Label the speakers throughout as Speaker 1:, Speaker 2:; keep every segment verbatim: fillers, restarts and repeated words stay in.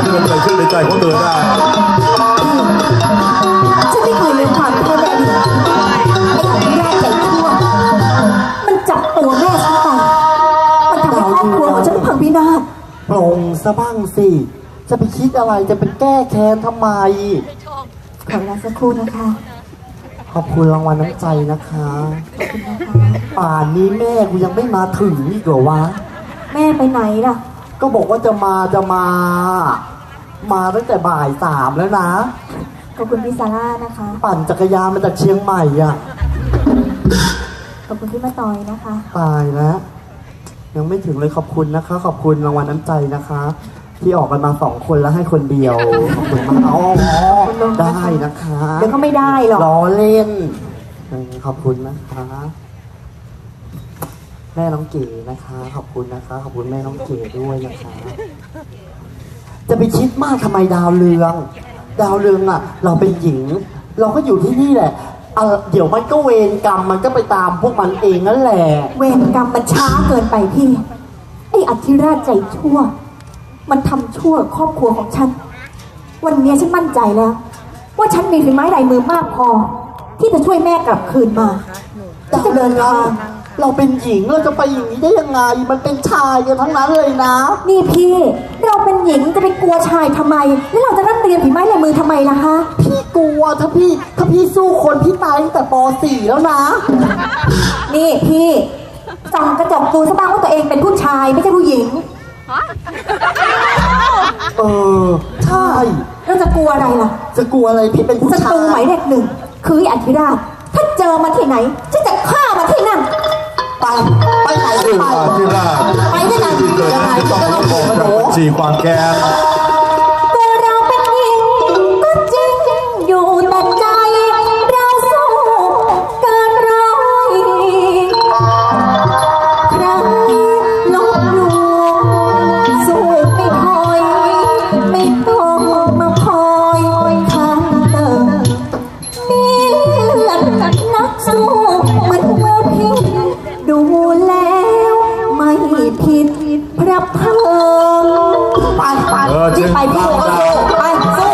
Speaker 1: ที่มันเกิดขึ้นในใจของเธอได้
Speaker 2: ฉันไม่เคยลืมความเธอในอดีตไอ้อภิราชใจชั่วมันจับตัวแม่ฉันไปมันทำให้ครอบครัวของฉันพังพินาศ
Speaker 3: ปลงซะบ้างสิจะไปคิดอะไรจะไปแก้แค้นทำไม
Speaker 2: ขอเวลาสักครู่นะคะ
Speaker 3: ขอบคุณรางวัลน้ำใจนะคะ
Speaker 2: ขอบคุณนะคะ
Speaker 3: ป่านนี้แม่กูยังไม่มาถึงอีกเหรอวะ
Speaker 2: แม่ไปไหนล่ะ
Speaker 3: ก็บอกว่าจะมาจะมามาตั้งแต่บ่ายสามแล้วนะ
Speaker 2: ขอบคุณพี่ซาร่านะคะ
Speaker 3: ปั่นจักรยานมาจากเชียงใหม่อ่ะ
Speaker 2: ขอบคุณพี่มาตอยนะคะ
Speaker 3: ตายแล้วยังไม่ถึงเลยขอบคุณนะคะขอบคุณรางวัลน้ำใจนะคะที่ออกกันมาสองคนแล้วให้คนเดียวขอบคุณมากอ๋อได้นะคะ
Speaker 2: เดี๋ยวก็ไม่ได้หรอก
Speaker 3: ล้อเล่นขอบคุณนะคะแม่น้องเก๋นะคะขอบคุณนะคะขอบคุณแม่น้องเก๋ด้วยนะคะจะไปคิดมากทำไมดาวเรืองดาวเรืองอ่ะเราเป็นหญิงเราก็อยู่ที่นี่แหละเดี๋ยวมันก็เวรกรรมมันก็ไปตามพวกมันเองนั่นแหละ
Speaker 2: เวรกรรมมันช้าเกินไปพี่ไอ้อธิราชใจชั่วมันทำชั่วครอบครัวของฉันวันนี้ฉันมั่นใจแล้วว่าฉันมีฝีไม้ลายมือมากพอที่จะช่วยแม่กลับคืนมา
Speaker 3: จะเดินทางเราเป็นหญิงเราจะไปอย่างนี้ได้ยังไงมันเป็นชายกันทั้งนั้นเลยนะ
Speaker 2: นี่พี่เราเป็นหญิงจะไปกลัวชายทำไมแล้วเราจะร่ำเรียนฝีไม้ลายมือทำไมล่ะคะ
Speaker 3: พี่กลัวถ้าพี่ถ้าพี่สู้คนพี่ตายตั้งแต่ป สี่แล้วนะ
Speaker 2: นี่พี่ส่องกระจกดูซะบ้างว่าตัวเองเป็นผู้ชายไม่ใช่ผู้หญิง
Speaker 3: เออใช่
Speaker 2: เราจะกลัวอะไรล่ะ
Speaker 3: จะกลัวอะไรพี่เป็นผู้ชาย
Speaker 2: ศัตรูหมายเลขหนึ่งคืออธิราชถ้าเจอมาที่ไหนฉันจะฆ่ามาที่นั่น
Speaker 3: ไปไปไหนไป
Speaker 1: อธิราช
Speaker 2: ไปที่ไหน
Speaker 1: ยังไงต้องระบบจากบัญชีความแค้น
Speaker 2: แต่เราเป็นหญิงก็จริงอยู่แต่ใจเราสู้เกินร้อยใครลบหลู่สู้ไม่ถอยไม่ต้องมาคอยข้างเติมมีเลือดนักสู้มันเมื่อพิษดูแล้วไม่ผิดพระเพลิงไปไปที่ไปพี่ก็สู้ไปสู้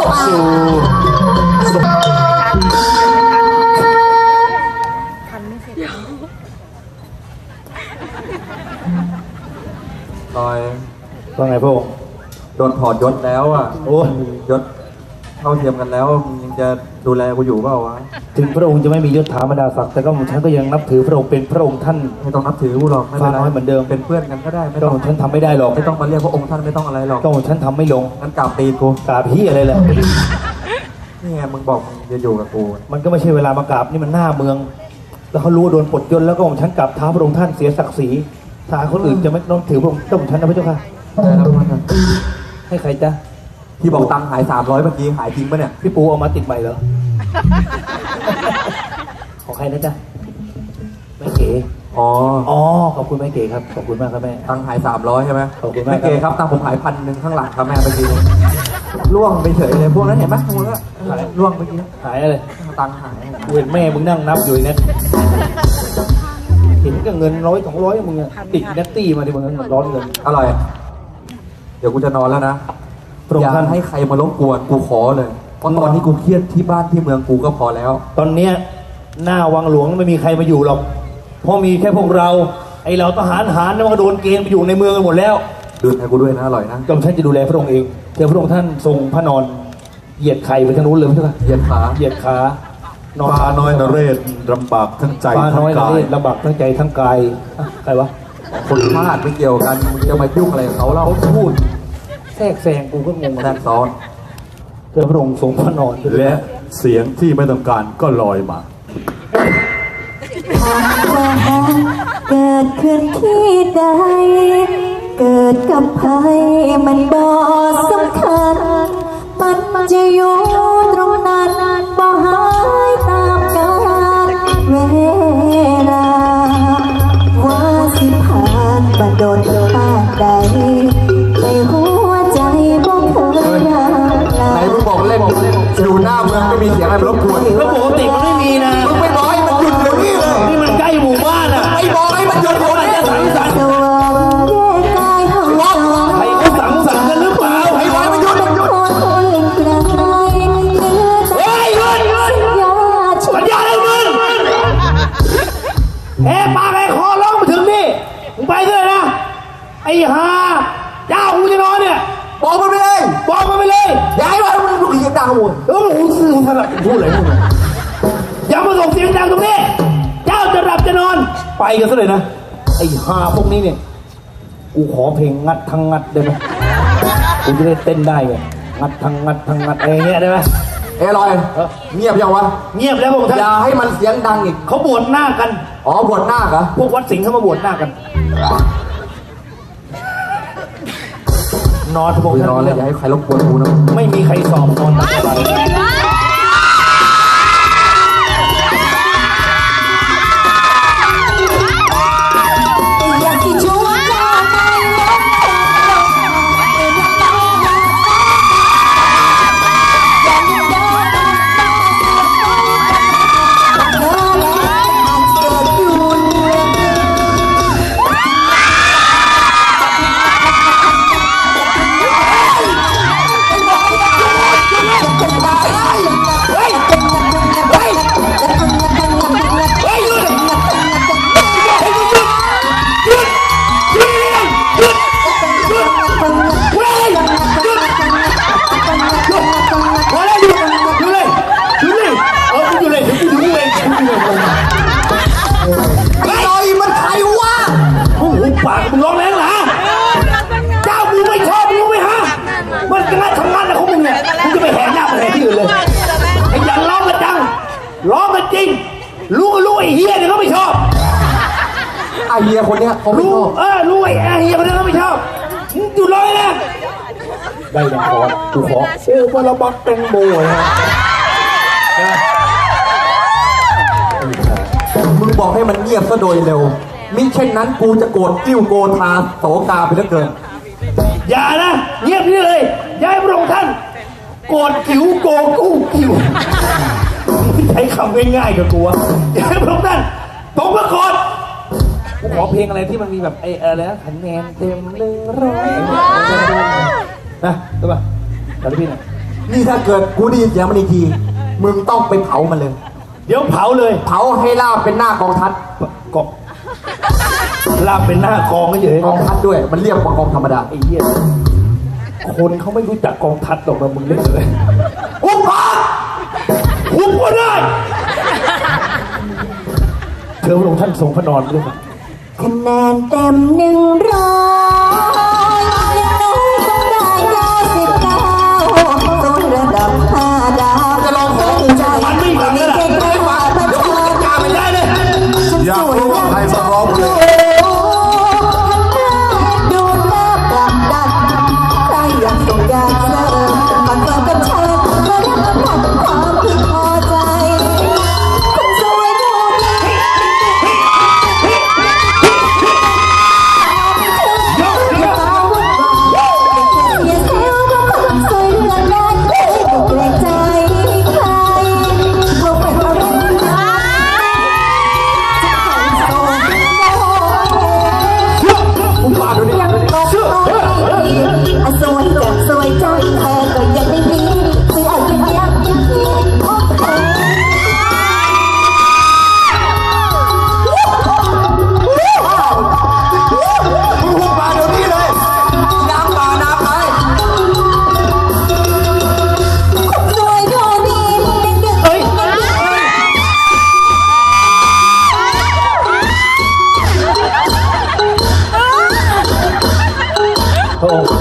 Speaker 4: ลอย
Speaker 1: ว่าไงพวก
Speaker 4: โดนถอดยศแล้วอ่ะ
Speaker 1: โอ้
Speaker 4: ยศเท่าเทียมกันแล้วยังจะดูแลกูอยู่เปล่าวะ
Speaker 1: ถึงพระองค์จะไม่มียศถาบรรดาศักดิ์แต่ก็ผมฉันก็ยังนับถือพระองค์เป็นพระองค์ท่าน
Speaker 4: ไม่ต้องนับถือกูหรอกไม่เป็นไร
Speaker 1: เหมือนเดิม
Speaker 4: เป็นเพื่อนกันก็ได้ไม่
Speaker 1: ต้องฉันทำไม่ได้หรอก
Speaker 4: ไม่ต้องมาเรียกพระองค์ท่านไม่ต้องอะไรหรอก
Speaker 1: ต้องฉันทำไม่ลง
Speaker 4: งั้นกราบตีกู
Speaker 1: กราบพี่อะไรแหละ
Speaker 4: นี่ไงมึงบอกมึงจะอยู่กับกู
Speaker 1: มันก็ไม่ใช่เวลามากราบนี่มันหน้าเมืองแล้วเขารู้โดนปลดยศแล้วก็ผมฉันกราบเท้าพระองค์ท่านเสียศักดิ์ศรีถ้าคนอื่นจะไม่ต้องถือพระองค์ต้องฉันนะพระเจ้าค่ะให้ใครจ๊ะ
Speaker 4: ที่บอกตังค์หายสามร้อยเมื่อกี้หายจริงปะเนี่ย
Speaker 1: พี่ปูเอามาติดใหม่เหรอของใครนะจ๊ะแม่เก๋
Speaker 4: อ๋อ
Speaker 1: อ๋อขอบคุณแม่เก๋ครับขอบคุณมากครับแม่
Speaker 4: ตังค์หายสามร้อยใช่ไหม
Speaker 1: ขอบคุณ
Speaker 4: แม่เก๋ครับตังค์ผมหายพันหนึ่งข้างหลังครับแม่เมื่อกี้ล่วงไปเฉยเลยพวกนั้นเห็นไหมพวกนั้นล่วงเมื่อกี้
Speaker 1: หายอะไร
Speaker 4: ตังค์หาย
Speaker 1: เห็นแม่มึงนั่งนับอยู่เนี่ยเห็นก็เงินร้อยสองร้อยมึงติดนัตตี้มาดิมึงร้อนเงิน
Speaker 4: อร่อยเดี๋ยวกูจะนอนแล้วนะอย่าให้ใครมารบกวนกูขอเลยเพราะตอนนี้กูเครียดที่บ้านที่เมืองกูก็พอแล้ว
Speaker 1: ตอนเนี้ยหน้าวังหลวงไม่มีใครมาอยู่หรอกเพราะมีแค่พวกเราไอเราทหารหารนั่นก็โดนเกณฑ์ไปอยู่ในเมืองกันหมดแล้ว
Speaker 4: ดูให้กูด้วยนะอร่อยนะ
Speaker 1: กรมท่านจะดูแลพระองค์เองเดี๋ยวพระองค์ท่านทรงพระนอนเหยียดไข่ไปทางนู้นเลยใช่ไหม
Speaker 4: เหยียดขา
Speaker 1: เหยียดขา
Speaker 3: ฟ้าน้อยนเรศลำบากทั้งใจ
Speaker 1: ทั้งกายลำบากทั้งใจทั้งกายใครวะ
Speaker 4: คนพลาดไม่เกี่ยวกันมึงจะมายุ่งอะไรกับเขาเล่า
Speaker 1: พูดแทรกแซงกูก็งง
Speaker 4: แทรกซ้อน
Speaker 1: เธอพระองค์ทรงพระนอน
Speaker 3: และเสียงที่ไม่ต้องการก็ลอยมา
Speaker 2: เกิดขึ้นที่ใดเกิดกับใครมันบ่สำคัญมันจะอยู่ตรงนั้นบ่หายตามกาลเวลาว่าสิผ่านบัดโดนผ่านใดในหัวใจบ่เคยรัก
Speaker 4: ไหนมึงบอกเล่นอยู่หน้าเมืองไม่มีเสียงอะไรรบกวน
Speaker 1: แล้วปกติมันไม่มีนะ
Speaker 4: มึงไม่บอกให้มันหยุดเดี๋ยวนี้เลย
Speaker 1: นี่มันใกล้หมู่บ้านอ่ะ
Speaker 4: ไอ้บอกให้มันหยุดเดี๋ยวนี้
Speaker 1: ใครเขาสังสรรค์กันหรือเปล่า
Speaker 4: ไอ้บอกให้มันหยุด
Speaker 3: บอกมันไปเลย
Speaker 1: บอกมันไปเลย
Speaker 3: อย่าให้มันมันลูกเสียงดังหมด
Speaker 1: เออโอ้โหสื่อถนัดพูดอะไรมึงเนี่ยอย่ามาส่งเสียงดังตรงนี้เจ้าจะหลับจะนอนไปกันซะเลยนะไอ้ห่าพวกนี้เนี่ยกูขอเพลงงัดทั้งงัดได้ไหมกูจะได้เต้นได้ไงงัดทั้งงัดทั้งงัดอะไรเงี้ยได้ไหม
Speaker 4: เอ้ลอยเงียบยังวะ
Speaker 1: เงียบแล้วพวกท่าน
Speaker 4: อย่าให้มันเสียงดังอีก
Speaker 1: เขาบวชหน้ากัน
Speaker 4: อ๋อบวชหน้าเหรอ
Speaker 1: พวกวัดสิงห์เขามาบวชหน้ากัน นอนพวก
Speaker 4: กู
Speaker 1: ท่าน
Speaker 4: นอนแล้วอย่าให้ใครรบกวนกูนะ
Speaker 1: ไม่มีใครสอบนอนตลอด
Speaker 2: อยากที่ช่วยเจ้าไม่ลดอยากให้เดินตามตาเธอและอาจเกิดอยู่เรื่อง
Speaker 1: พอแล้วหยุดหยุดเลยหยุดเลยเออหยุดเลยเดี๋ยวกูถึงเองหยุดเลย
Speaker 3: ไอ้ลอยมันใครวะ
Speaker 1: โอ้โหปากมึงร้องแรงเหรอเจ้ามึงไม่ชอบมึงรู้ไหมฮะมันกระทำงานอะไรของมึงเนี่ยมึงจะไปแหกหน้าไปแหกที่อื่นเลยไอ้ยังร้องกันจังร้องกันจริงรู้ก็รู้ไอ้เฮียเนี่ยเขาไม่ชอบ
Speaker 4: ไอเฮียคนเนี้ยเขาไม่
Speaker 1: รู้
Speaker 4: ชอบ
Speaker 1: เออรู้ไอ้เฮียคนนั้นเขาไม่ชอบมึงหยุดร้องเลยนะได้ยังขอกูขอโอ้ปลาบักแตงโมนะ
Speaker 4: มึงบอกให้มันเงียบซะโดยเร็วมิเช่นนั้นกูจะโกรธกิ้วโกธาโสกาไปเหลือเกิน
Speaker 1: อย่านะเงียบนี่เลยย้ายพระองค์ท่านโกรธขิวโกกู้ขิวใช้คำง่ายๆกับกูอะย้ายพระองค์ท่านตรงมาก่อนกูขอเพลงอะไรที่มันมีแบบไอ้อะไรนะคะแนนเต็มหนึ่งร้อยนะรู้ป่ะตอนนี้พี่หน่อย
Speaker 4: นี่ถ้าเกิดกูได้ยินเสียงมันอีกทีมึงต้องไปเผามันเลย
Speaker 1: เดี๋ยวเผาเลย
Speaker 4: เผาให้ลาบเป็นหน้ากองทัพ
Speaker 1: กบลาบเป็นหน้ากองก็เฉย
Speaker 4: กองทัพด้วยมันเรียกว่ากองธรรมดา
Speaker 1: ไอ้เหี้ยคนเขาไม่รู้จักกองทัพหรอกนะมึงเล่นเลย
Speaker 4: หุบปาก
Speaker 1: หุบก็ได้เธอพระองค์ท่านทรงพระนอนด้วยครับ
Speaker 2: คะแนนเต็มหนึ่งร้อยยังน้อยต้องได้เก้าสิบเก้าส่วนระดับห้าดาว
Speaker 4: จะลองของกูจะ
Speaker 1: มันไม่ฟังเลยล่ะ
Speaker 2: เก่งไม่ว่าประชาช
Speaker 1: กล้าน ไม่ได้เลย
Speaker 4: อยากรู้ว่าใครมาร้องเพลง
Speaker 2: ดูแลปรับดันใครอยากส่งอยากเสิร์ฟมาเสิร์ฟกับเชิญมารับประทานความพึงพอใจคนสวยดูดีอย่าเซลว่าคนสวยเรื่องนั้นไม่เกรงใจใครว่าเป็นอะไรจะขอโซ่
Speaker 4: มึงมาดูนี่ดูนี่
Speaker 2: สวยจังสวยจังเธอก็ยังไม่มีซื้ออะไรยังยังที่โอเค
Speaker 4: มึงหุบปากเดี๋ยวนี้เลยน้ำป่าน้ำไหล
Speaker 2: สวยดูดีเด็กๆ
Speaker 1: เฮ้ยพระองค์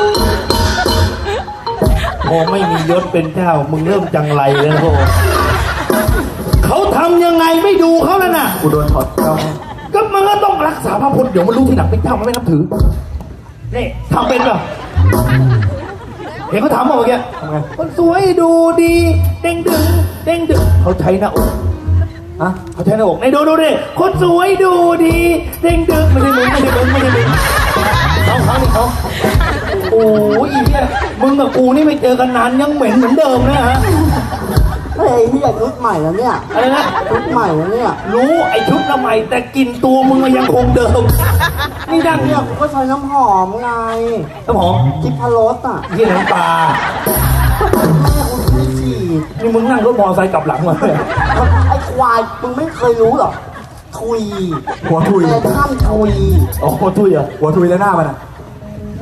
Speaker 1: พอไม่มียศเป็นเจ้ามึงเริ่มจังไรแล้วนะพระองค์เขาทำยังไงไม่ดูเขาแล้วน่ะ
Speaker 4: กูโดนถอดเจ้า
Speaker 1: ก็มันก็ต้องรักษาพระพุทธเดี๋ยวมันรู้ที่หลังเป็นเจ้ามันไม่นับถือ นี่ทำเป็นป่ะเห็นเขาถามมาเมื่อกี้
Speaker 4: ทำไง
Speaker 1: คนสวยดูดีเด้งดึงเด้งดึงเขาใช้หน้าอก
Speaker 4: ฮะ
Speaker 1: เขาใช้หน้าอกในดูดูดิคนสวยดูดีเด้งดึงไม่ใช่มึงไม่ใช่มึงไม่ใช่มึงเขาเขานี่เขาโอ้ยอีเนี่ยมึงกับกูนี่ไม่เจอกันนานยังเหม็นเหมือนเดิมนะฮะ
Speaker 3: เฮ้ยนี่ชุดใหม่แล้วเนี่ย
Speaker 1: อะไรนะ
Speaker 3: ชุดใหม่แล้วเนี่ย
Speaker 1: รู้ไอชุดละใหม่แต่กลินตัวมึงมันยังคงเดิมนี่ดัง
Speaker 3: เนี่
Speaker 1: เนี่ย ย
Speaker 3: กูก็ใช้น้ำหอมไง
Speaker 1: น้ำหอม
Speaker 3: กิพารสอ่ะ
Speaker 1: ยี่น้ำปลา
Speaker 3: แม่กูช่วยฉีด
Speaker 1: นี่มึงนั่งรถมอเตอร์ไซค์กลับหลังมาเลย
Speaker 3: ไอ้ควายมึงไม่เคยรู้หรอกทุย
Speaker 4: หัวทุย
Speaker 3: แต่ท่านทุย
Speaker 1: อ๋อทุยเหรอ
Speaker 4: หัวทุยแล้วหน้ามันอ่ะ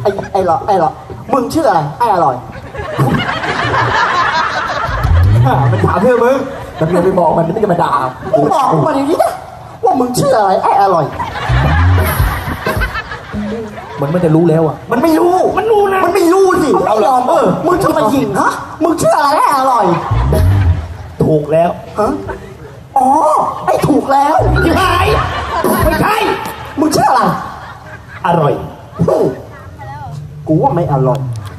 Speaker 3: ไอ้ไอ้หรอไอ้หรอมึงชื่ออะไรไอ้อร่อย
Speaker 4: มันถามเพื่อมึงแต่เมียไปบอกมันไม่จะมาด่า
Speaker 3: มึงบอกกูมาอย่างนี้นะว่ามึงชื่ออะไรไอ้อร่อย
Speaker 1: มันไม่จะรู้แล้วอ่ะ
Speaker 3: มันไม่รู้
Speaker 1: มันรู้นะ
Speaker 3: มันไม่รู้สิ
Speaker 1: เอาเหรอ
Speaker 3: ยอมเออมึงทำไมหญิงฮะมึงชื่ออะไรไอ้อร่อย
Speaker 1: ถูกแล้ว
Speaker 3: ฮะอ๋อไอ้ถูกแล้ว
Speaker 1: ที่หายไม่ใช่
Speaker 3: มึงชื่ออะไร
Speaker 1: อร่อย
Speaker 3: ฮึ่มกูว่าไม่อร่อย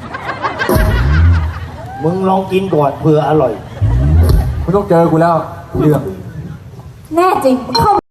Speaker 1: มึงลองกินก่อนเผื่ออร่อย
Speaker 4: ไม่ต้องเจอกูแล้วเรื่อง
Speaker 2: แน่จริงเข้า